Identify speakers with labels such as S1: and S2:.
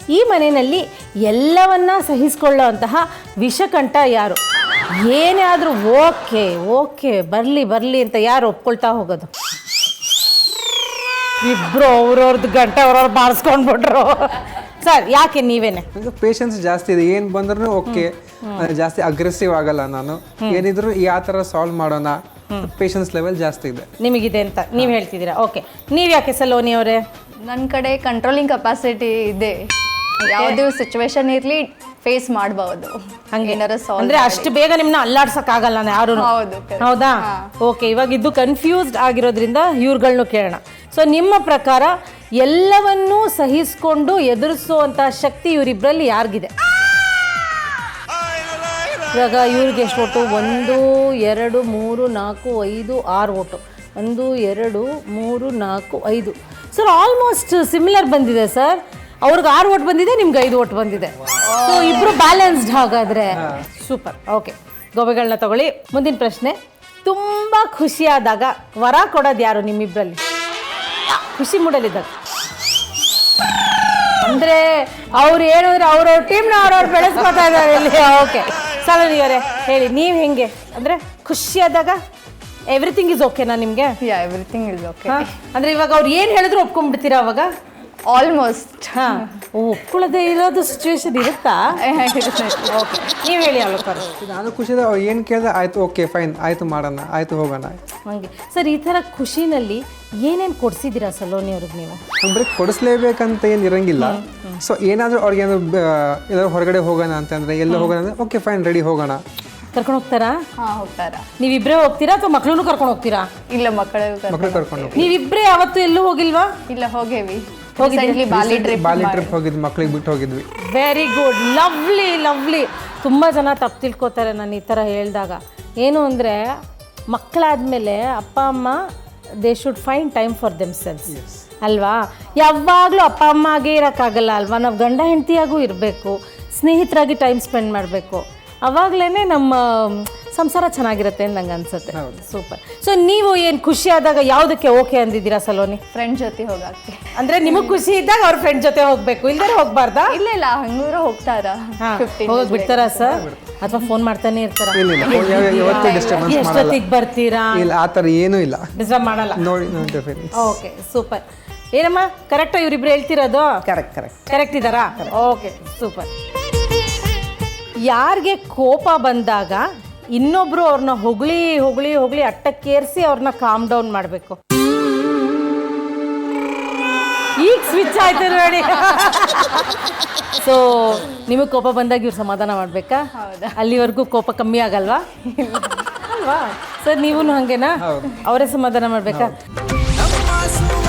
S1: ಈ ಮನೆಯಲ್ಲಿ ಎಲ್ಲವನ್ನ ಸಹಿಸಿಕೊಳ್ಳೋ ಅಂತಹ ವಿಷಕಂಠ ಯಾರು? ಏನೇ ಆದರೂ ಓಕೆ ಓಕೆ ಬರಲಿ ಅಂತ ಯಾರು ಒಪ್ಕೊಳ್ತಾ ಹೋಗೋದು? ಇಬ್ರು ಅವ್ರವ್ರದ್ದು ಗಂಟೆ ಅವ್ರವ್ರು ಬಾರಿಸ್ಕೊಂಡ್ಬಿಟ್ರು. ಸರ್ ಯಾಕೆ ನೀವೇನೆ?
S2: ಪೇಷನ್ಸ್ ಜಾಸ್ತಿ ಇದೆ, ಏನು ಬಂದ್ರೂ ಓಕೆ, ಜಾಸ್ತಿ ಅಗ್ರೆಸಿವ್ ಆಗಲ್ಲ ನಾನು. ಏನಿದ್ರು ಯಾವ ಥರ ಸಾಲ್ವ್ ಮಾಡೋಣ, ಪೇಷನ್ಸ್ ಲೆವೆಲ್ ಜಾಸ್ತಿ ಇದೆ
S1: ನಿಮಗಿದೆ ಅಂತ ನೀವು ಹೇಳ್ತಿದ್ದೀರಾ. ಓಕೆ, ನೀವು ಯಾಕೆ ಸಲೋನಿ ಅವರೇ?
S3: ನನ್ನ ಕಡೆ ಕಂಟ್ರೋಲಿಂಗ್ ಕೆಪಾಸಿಟಿ ಇದೆ, ಯಾವುದೇ ಸಿಚುವೇಶನ್ ಇರಲಿ ಫೇಸ್ ಮಾಡಬಹುದು.
S1: ಹಂಗೆ ಅಂದ್ರೆ ಅಷ್ಟು ಬೇಗ ನಿಮ್ಮನ್ನ ಅಲ್ಲಾಡ್ಸಕ್ ಆಗಲ್ಲ ಯಾರು. ಹೌದಾ? ಓಕೆ, ಇವಾಗ ಇದು ಕನ್ಫ್ಯೂಸ್ಡ್ ಆಗಿರೋದ್ರಿಂದ ಇವ್ರುಗಳ್ನು ಕೇಳೋಣ. ಸೊ ನಿಮ್ಮ ಪ್ರಕಾರ ಎಲ್ಲವನ್ನೂ ಸಹಿಸ್ಕೊಂಡು ಎದುರಿಸುವಂತ ಶಕ್ತಿ ಇವರಿಬ್ಬರಲ್ಲಿ ಯಾರಿಗಿದೆ? ಇವಾಗ ಇವ್ರಿಗೆ ಎಷ್ಟು vote? 1 2 3 4 5 6 vote. 1 2 3 4 5. Sir almost similar ಬಂದಿದೆ ಸರ್. ಅವ್ರಿಗೆ 6 ಓಟ್ ಬಂದಿದೆ, ನಿಮ್ಗೆ 5 ಓಟ್ ಬಂದಿದೆ. ಸೊ ಇಬ್ರು ಬ್ಯಾಲೆನ್ಸ್ಡ್ ಹಾಗಾದ್ರೆ. ಸೂಪರ್. ಓಕೆ, ಗೋಬೆಗಳನ್ನ ತಗೊಳ್ಳಿ. ಮುಂದಿನ ಪ್ರಶ್ನೆ, ತುಂಬಾ ಖುಷಿಯಾದಾಗ ವರ ಕೊಡೋದು ಯಾರು ನಿಮ್ಮಿಬ್ರಲ್ಲಿ? ಖುಷಿ ಮೂಡಲಿದ್ದಾಗ ಅಂದ್ರೆ ಅವ್ರು ಹೇಳಿದ್ರೆ ಅವ್ರವ್ರ ಟೀಮ್ನ ಅವ್ರವ್ರು ಬೆಳೆಸ್ಕೊತಾ ಇದ್ದಾರೆ ಇಲ್ಲಿ. ಓಕೆ ಸಲೋನಿ ಅವರೇ ಹೇಳಿ, ನೀವು ಹೆಂಗೆ ಅಂದ್ರೆ ಖುಷಿಯಾದಾಗ ಎವ್ರಿಥಿಂಗ್ ಇಸ್ ಓಕೆನಾ ನಿಮಗೆ?
S3: Everything is okay.
S1: ಅಂದ್ರೆ ಇವಾಗ ಅವ್ರು ಏನು ಹೇಳಿದ್ರು ಒಪ್ಕೊಂಡ್ಬಿಡ್ತೀರಾ ಅವಾಗ?
S3: ಆಲ್ಮೋಸ್ಟ್.
S1: ಒಪ್ಕೊಳ್ಳದೆ ಇರೋದು ಸಿಚುವೇಶನ್ ಇರುತ್ತಾ? ಓಕೆ, ನೀವು ಹೇಳಿ ಅಲ್ಲೋಕರು.
S2: ನಾನು ಖುಷಿದ ಅವ್ರು ಏನು ಕೇಳಿದ್ರೆ ಆಯ್ತು, ಓಕೆ ಫೈನ್, ಆಯ್ತು ಮಾಡೋಣ, ಆಯ್ತು ಹೋಗೋಣ.
S1: ಹಂಗೆ ಸರ್, ಈ ಥರ ಖುಷಿನಲ್ಲಿ ಏನೇನು ಕೊಡಿಸಿದ್ದೀರಾ ಸಲೋನಿ ಅವ್ರಿಗೆ ನೀವು?
S2: ಅಂದ್ರೆ ಕೊಡಿಸ್ಲೇಬೇಕಂತ ಏನು ಇರಂಗಿಲ್ಲ. ಸೊ ಏನಾದರೂ ಅವ್ರಿಗೆ ಏನಾದ್ರು ಹೊರಗಡೆ ಹೋಗೋಣ ಅಂತಂದ್ರೆ, ಎಲ್ಲ ಹೋಗೋಣ ಅಂದ್ರೆ ಓಕೆ ಫೈನ್ ರೆಡಿ ಹೋಗೋಣ.
S1: ಕರ್ಕೊಂಡು ಹೋಗ್ತಾರಾ?
S3: ಹೋಗ್ತಾರಾ?
S1: ನೀವಿಬ್ಬರೇ ಹೋಗ್ತೀರಾ ಅಥವಾ ಮಕ್ಕಳನ್ನು ಕರ್ಕೊಂಡು ಹೋಗ್ತೀರಾ?
S3: ಇಲ್ಲ, ಮಕ್ಕಳು
S2: ಕರ್ಕೊಂಡು ಹೋಗಿ.
S1: ನೀವಿಬ್ಬರೇ ಯಾವತ್ತೂ ಎಲ್ಲೂ ಹೋಗಿಲ್ವಾ?
S3: ಇಲ್ಲ, ಹೋಗೇವಿ.
S2: ಬಾಲಿ ಟ್ರಿಪ್ ಹೋಗಿದ್ವಿ, ಮಕ್ಕಳಿಗೆ ಬಿಟ್ಟು ಹೋಗಿದ್ವಿ.
S1: Very good, lovely lovely. ತುಂಬ ಜನ ತಪ್ಪು ತಿಳ್ಕೊತಾರೆ ನಾನು ಈ ಥರ ಹೇಳಿದಾಗ. ಏನು ಅಂದರೆ ಮಕ್ಕಳಾದಮೇಲೆ ಅಪ್ಪ ಅಮ್ಮ they should find time for themselves ಅಲ್ವಾ? ಯಾವಾಗಲೂ ಅಪ್ಪ ಅಮ್ಮ ಆಗೇ ಇರೋಕ್ಕಾಗಲ್ಲ ಅಲ್ವಾ? ನಾವು ಗಂಡ ಹೆಂಡತಿಯಾಗೂ ಇರಬೇಕು, ಸ್ನೇಹಿತರಾಗಿ ಟೈಮ್ ಸ್ಪೆಂಡ್ ಮಾಡಬೇಕು. ಅವಾಗಲೇ ನಮ್ಮ ಸಂಸಾರ ಚೆನ್ನಾಗಿರುತ್ತೆ ಅಂತ ನಂಗೆ ಅನ್ಸುತ್ತೆ. ಸೂಪರ್. ಸೊ ನೀವು ಏನು ಖುಷಿ ಆದಾಗ ಯಾವುದಕ್ಕೆ ಓಕೆ ಅಂದಿದ್ದೀರಾ ಸಲೋನಿ?
S3: ಫ್ರೆಂಡ್ ಜೊತೆ ಹೋಗಕ್ಕೆ.
S1: ಅಂದರೆ ನಿಮಗೆ ಖುಷಿ ಇದ್ದಾಗ ಅವ್ರ ಫ್ರೆಂಡ್ ಜೊತೆ ಹೋಗಬೇಕು, ಇಲ್ಲದೇ ಹೋಗಬಾರ್ದಾ?
S3: ಇಲ್ಲ, ಹಂಗೂರು ಹೋಗ್ತಾರಾ?
S1: ಹೋಗಕ್ ಬಿಡ್ತಾರಾ ಸರ್? ಅಥವಾ ಫೋನ್ ಮಾಡ್ತಾನೆ ಇರ್ತಾರ? ಎಷ್ಟೊತ್ತಿಗೆ ಬರ್ತೀರಾ?
S2: ಇಲ್ಲ, ಆ ಥರ ಏನೂ ಇಲ್ಲ,
S1: ಡಿಸ್ಟರ್ಬ್ ಮಾಡಲ್ಲ.
S2: ನೋಡಿ.
S1: Okay, super. ಏನಮ್ಮ ಕರೆಕ್ಟಾ ಇವ್ರಿಬ್ರು ಹೇಳ್ತಿರೋದು? ಕರೆಕ್ಟ್ ಇದ್ದಾರಾ? Okay, super. ಯಾರಿಗೆ ಕೋಪ ಬಂದಾಗ ಇನ್ನೊಬ್ರು ಅವ್ರನ್ನ ಹೊಗಳಿ ಹೊಗಳಿ ಹೊಗಳಿ ಅಟ್ಟಕ್ಕೇರಿಸಿ ಅವ್ರನ್ನ ಕಾಮ್ ಡೌನ್ ಮಾಡಬೇಕು? ಈಗ ಸ್ವಿಚ್ ಆಯ್ತು ನೋಡಿ. ಸೊ ನಿಮಗೆ ಕೋಪ ಬಂದಾಗ ಇವ್ರು ಸಮಾಧಾನ ಮಾಡಬೇಕಾ? ಅಲ್ಲಿವರೆಗೂ ಕೋಪ ಕಮ್ಮಿ ಆಗಲ್ವಾ? ಅಲ್ವಾ ಸರ್? ನೀವು ಹಾಗೇನಾ? ಅವರೇ ಸಮಾಧಾನ ಮಾಡಬೇಕಾ?